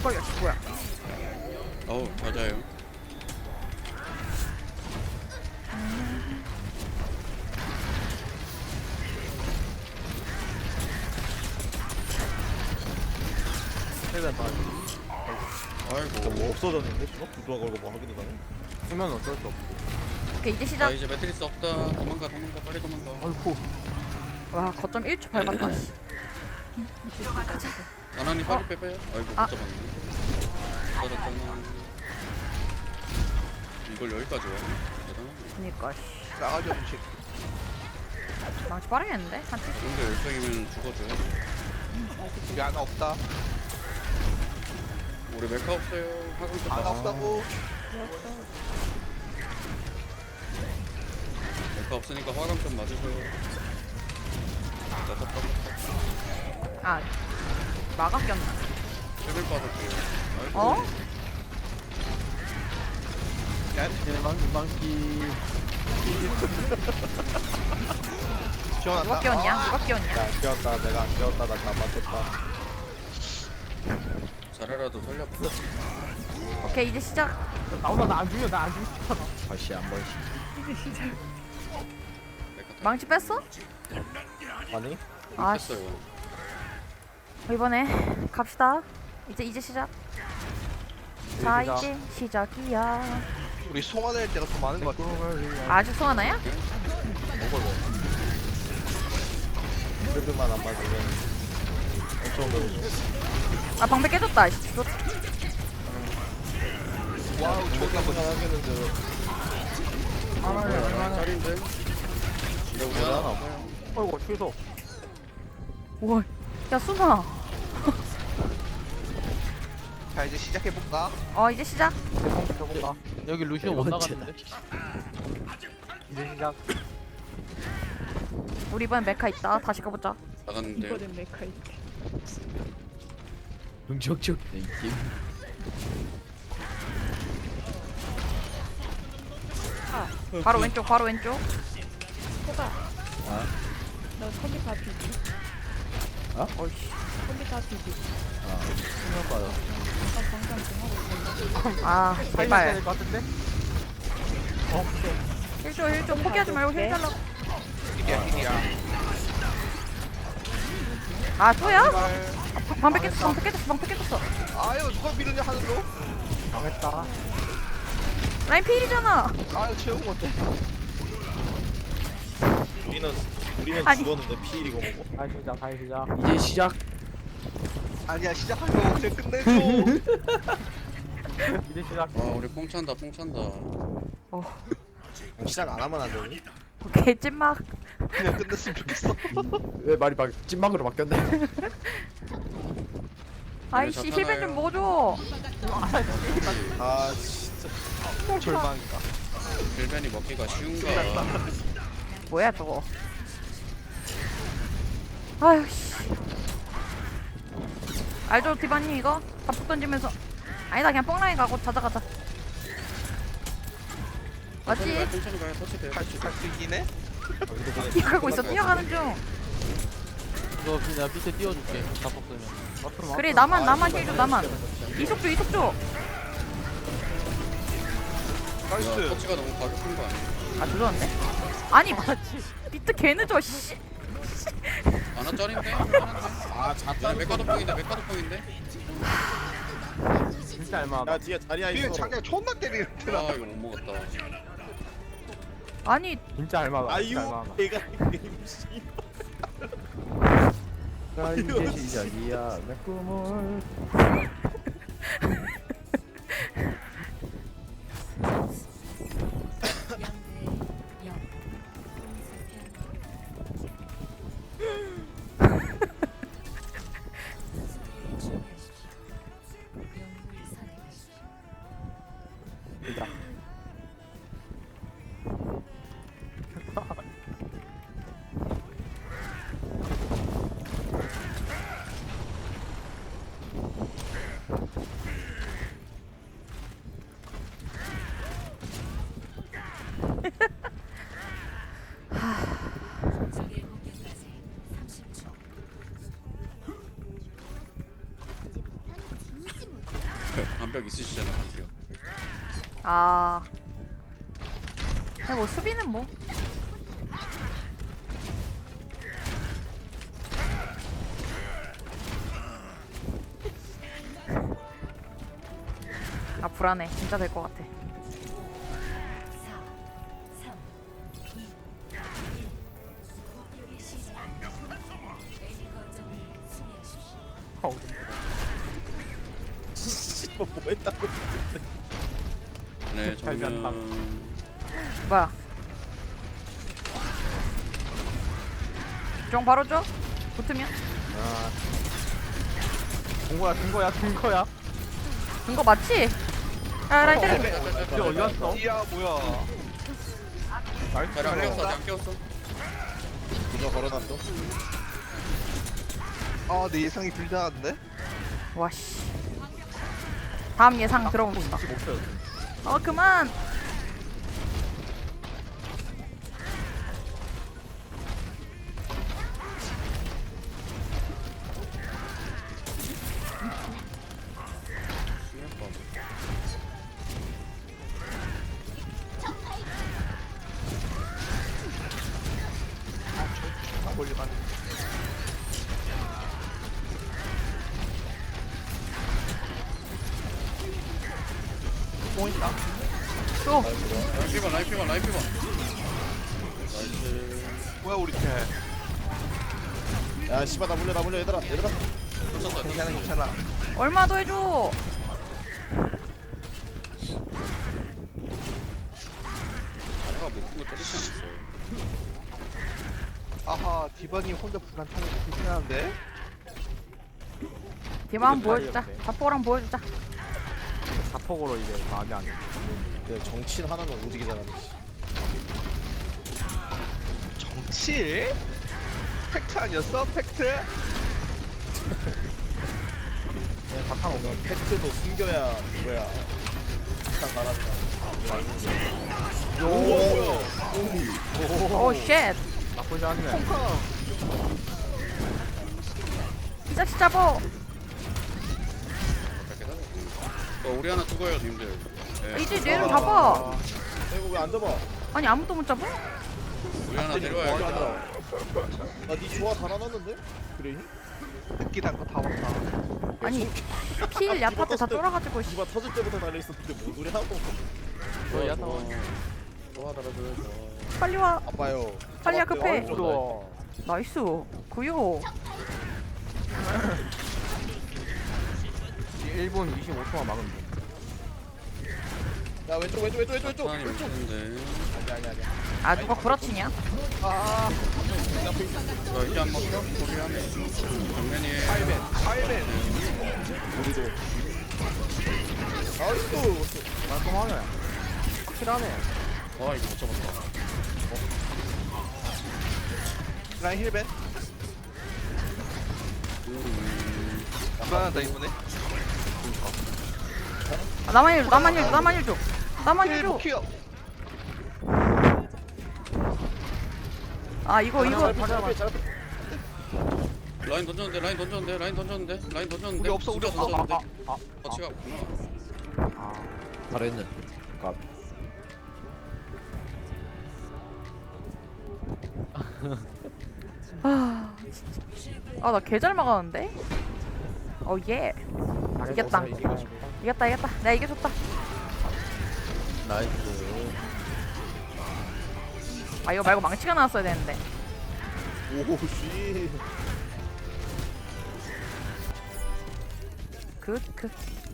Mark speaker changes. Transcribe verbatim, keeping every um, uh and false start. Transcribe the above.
Speaker 1: 깜짝이야. 뭐야?
Speaker 2: 어우 맞아요.
Speaker 3: 최대한 다
Speaker 2: 아이고.
Speaker 4: 뭐 없어졌는데? 저거? 누가 걸고 뭐 하기도 전에?
Speaker 3: 쓰면 어쩔 수 없고.
Speaker 1: 오케이 이제
Speaker 2: 자
Speaker 1: 시작.
Speaker 2: 이제 매트리스 없다. 도망가 도망가 빨리 도망가.
Speaker 3: 아이고.
Speaker 1: 와 거점 일 초 밟았다. 씨.
Speaker 2: 나나님
Speaker 1: 어?
Speaker 2: 빨리 빼빼요. 아이고 못
Speaker 1: 아.
Speaker 2: 잡았네. 맞았잖아. 이걸 여기까지 와. 대단하네.
Speaker 1: 그니까 씨.
Speaker 5: 나가죠 음식.
Speaker 1: 망치 빠르겠는데? 한 칠.
Speaker 2: 근데 열정이면 죽어줘요.
Speaker 5: 여기 하나 없다.
Speaker 2: 우리 메카 없어요. 화금 좀
Speaker 5: 하나
Speaker 2: 봐.
Speaker 5: 없다고.
Speaker 2: 메카 없으니까 화금 좀 맞으세요.
Speaker 1: 아 마감 꼈나?
Speaker 2: 최근 빠졌고요. 아이고.
Speaker 1: 어?
Speaker 3: 대망기 망기.
Speaker 5: 지원한다.
Speaker 1: 누가 끼웠냐? 누가 끼웠냐?
Speaker 4: 야, 안 깨웠다. 내가 안 깨웠다. 나 잘못했다.
Speaker 2: 자라라도 살려봐.
Speaker 1: 오케이 이제 시작.
Speaker 3: 나오나 나안 죽여 나안 죽여.
Speaker 4: 다시 한 번씩.
Speaker 2: 메카 타.
Speaker 1: 망치 뺐어?
Speaker 4: 아니?
Speaker 1: 아씨
Speaker 2: 했어요.
Speaker 1: 이번에 갑시다. 이제 이제 시작. 자
Speaker 3: 시작.
Speaker 1: 이제 시작이야.
Speaker 5: 우리 송환할 때가 더 많은 것 같아.
Speaker 1: 아직 소환아야?
Speaker 4: 먹어, 뭐. 그래도만 안 맞으면 엄청 더
Speaker 1: 아 방패 깨졌다. 씨. 너-
Speaker 5: 와우 존나 멋있어.
Speaker 4: 생각하겠는데
Speaker 3: 하나에
Speaker 2: 짤인데. 근데 우리 하나 없어요.
Speaker 3: 어이구 취소.
Speaker 1: 우와. 야 순아.
Speaker 5: 자 이제 시작해 볼까?
Speaker 1: 어 이제 시작.
Speaker 3: 대성 펴볼까? 여기 루시오 못 나갔는데. 이제 시작.
Speaker 1: 우리 이번엔 메카 있다. 다시 가보자.
Speaker 2: 나갔는데.
Speaker 4: 응적적
Speaker 1: 바로 왼쪽 바로 왼쪽.
Speaker 4: 아?
Speaker 6: 너 컴퓨터 비비.
Speaker 4: 어?
Speaker 1: 어이씨.
Speaker 6: 컴퓨터 비비.
Speaker 4: 아, 수면 빠져.
Speaker 6: 나 방금 좀 하고 있는데.
Speaker 1: 아
Speaker 3: 살려야
Speaker 1: 제발.
Speaker 3: 될것 같은데? 어 그래.
Speaker 1: 힐줘 힐줘 포기하지 말고 힐 달라고.
Speaker 5: 힐이야 힐이야.
Speaker 1: 아 또야?
Speaker 5: 제발.
Speaker 1: 방- 방패 깨졌어 방패 깨졌어 방패 깨졌어.
Speaker 5: 아유 누가 미르냐 하늘로?
Speaker 3: 망했다.
Speaker 1: 라인 필이잖아.
Speaker 5: 아유 채운 건데.
Speaker 4: 우리는 우리는
Speaker 1: 아니.
Speaker 4: 죽었는데 피 이고 뭐고?
Speaker 3: 다시 시작 다시 시작.
Speaker 4: 이제 시작.
Speaker 5: 아니야 시작하고 그냥 끝내줘.
Speaker 3: 이제 시작.
Speaker 2: 와 우리 뽕 찬다 뽕 찬다.
Speaker 1: 어
Speaker 4: 시작 안 하면 안 되니?
Speaker 1: 오케이 찐막.
Speaker 5: 그냥 끝냈으면 좋겠어.
Speaker 4: 왜 말이 막 찐막으로 바뀌었네?
Speaker 1: 아이씨 힐벤 좀 먹어줘.
Speaker 4: 아 진짜.
Speaker 5: 절망이다.
Speaker 2: 빌벤이 먹기가 쉬운가.
Speaker 1: 뭐야 저거. 아유 씨. 알죠 디바님 이거 밥폭 던지면서. 아니다 그냥 뽕라인 가고 자자 가자.
Speaker 2: 천천히 가요
Speaker 1: 맞지?
Speaker 2: 천천히 가요. 터치 돼요.
Speaker 5: 갈수 갈수 있긴 해.
Speaker 1: 뛰어가고 있어 뛰어가는 중.
Speaker 3: 이거 그냥 밑에 띄워줄게. 다 뽑으면. 앞으로
Speaker 1: 그래 나만 나만 힐줘 나만. 이속 줘 이속 줘.
Speaker 2: 야,
Speaker 5: 나이스.
Speaker 2: 터치가 너무 가격한 거 아니야?
Speaker 1: 아 조졌네. 아니 비트 개 늦어 씨.
Speaker 2: 아나 짤인데? 하는데?
Speaker 4: 아
Speaker 2: 야
Speaker 4: 잤다.
Speaker 2: 메카도 뽕인데 메카도 뽕인데?
Speaker 3: 진짜 알만하다.
Speaker 4: 야 뒤에 자리야
Speaker 5: 뒤에
Speaker 4: 있어.
Speaker 5: 장냥 존나 때리는데 나.
Speaker 2: 아 이거 못 먹었다.
Speaker 1: 아니
Speaker 3: 진짜 알만하다. 진짜
Speaker 4: 아유
Speaker 3: 알만하다.
Speaker 4: 내가 임시. 자 이제 시작이야 내 꿈을.
Speaker 3: 시작.
Speaker 2: 반벽 있으시잖아 드디어.
Speaker 1: 아. 근데 뭐 수비는 뭐. 아 불안해. 진짜 될 것 같아.
Speaker 4: 씨발 뭐 했다고.
Speaker 2: 네
Speaker 3: 잘못한
Speaker 2: 정면.
Speaker 1: 뭐야? 종 바로 줘? 붙으면?
Speaker 3: 아. 된 거야, 된 거야, 된 거야.
Speaker 1: 준거 맞지? 야 라인 때려.
Speaker 3: 이게 어디 갔어?
Speaker 5: 이야 뭐야?
Speaker 2: 자리 안 깨웠어 안 깨웠어.
Speaker 4: 이거 걸어놨어.
Speaker 5: 아 내 예상이 불리한데?
Speaker 1: 와씨. 다음 예상 들어봅시다. 어 그만.
Speaker 5: 멀리만.
Speaker 3: 뽕 있다.
Speaker 1: 또.
Speaker 2: 라인 피반 라인 피반 라인 피반. 나이스.
Speaker 5: 뭐야 우리 팀?
Speaker 4: 야 씨발 나 물려 나 물려 얘들아 얘들아.
Speaker 2: 쳤어.
Speaker 5: 괜찮아 괜찮아.
Speaker 1: 얼마 더 해줘.
Speaker 2: 내가 못 보고 때리지 않았어.
Speaker 5: 아하 디바니 혼자 불안타는 거 불편한데?
Speaker 1: 디마 한번 보여주자. 자포랑 보여주자.
Speaker 3: 자폭으로 이제 마음이 안 돼.
Speaker 4: 그 정치인 하나는 오지게 잘하네.
Speaker 5: 정치? 팩트 아니었어? 팩트?
Speaker 4: 그냥 바탕 오면 팩트도 숨겨야 뭐야. 딱 말한다.
Speaker 1: 오 쉣.
Speaker 3: 나쁘지 않네.
Speaker 1: 이 자식 잡어.
Speaker 2: 어 우리 하나 죽어요 님들. 네.
Speaker 1: 이제 얘를 잡아.
Speaker 4: 이거 왜 안 잡아?
Speaker 1: 아니 아무도 못 잡아?
Speaker 2: 우리 하나 데려와야겠다.
Speaker 4: 나니 조화 다 나눴는데? 그래?
Speaker 5: 듣기 단거다 왔다.
Speaker 1: 아니 필 야타 때 다 쫄아가지고 씨.
Speaker 4: 누가 터질 때부터 달려있었는데 뭔 소리 하고.
Speaker 3: 너 야타.
Speaker 4: 조화 달아줘야죠.
Speaker 1: 빨리 와.
Speaker 4: 아빠요.
Speaker 1: 빨리야, 급해.
Speaker 3: 무서워.
Speaker 1: 나이스. 구요.
Speaker 3: 일 분 이십오 초만 막으면 돼.
Speaker 4: 야 왼쪽 왼쪽 왼쪽 왼쪽 왼쪽
Speaker 2: 하나님
Speaker 4: 왼쪽.
Speaker 2: 오는데.
Speaker 4: 아니 아니 아니.
Speaker 1: 아 누가 구라치냐?
Speaker 4: 아.
Speaker 2: 너 이제 안 먹혀? 우리 하네. 정면이에요.
Speaker 5: 파이맨 파이맨.
Speaker 4: 우리도. 아이고.
Speaker 3: 깔끔하네. 확실하네.
Speaker 2: 와 이거 못 잡았다.
Speaker 5: 라인 힐벤.
Speaker 2: 음,
Speaker 5: 불안하다 이번에.
Speaker 1: 아, 나만 일 줘. 나만 일 줘. 나만 일 줘. 나만 일
Speaker 5: 힐
Speaker 1: 줘.
Speaker 5: 못키어.
Speaker 1: 아 이거 이거
Speaker 2: 라인 던졌는데 라인 던졌는데 라인 던졌는데 라인 던졌는데.
Speaker 5: 우리 없어, 우리
Speaker 2: 진짜
Speaker 5: 없어.
Speaker 2: 던졌는데.
Speaker 3: 아, 아,
Speaker 2: 터치가 없구나.
Speaker 3: 아.
Speaker 4: 잘했네. 가.
Speaker 1: 아나 개 잘 막았는데? 어 예. 이겼다. 이겼다 이겼다. 내가 이겨줬다.
Speaker 3: 나이스.
Speaker 1: 아 이거 말고 망치가 나왔어야 되는데.
Speaker 4: 오씨.
Speaker 1: 굿 굿.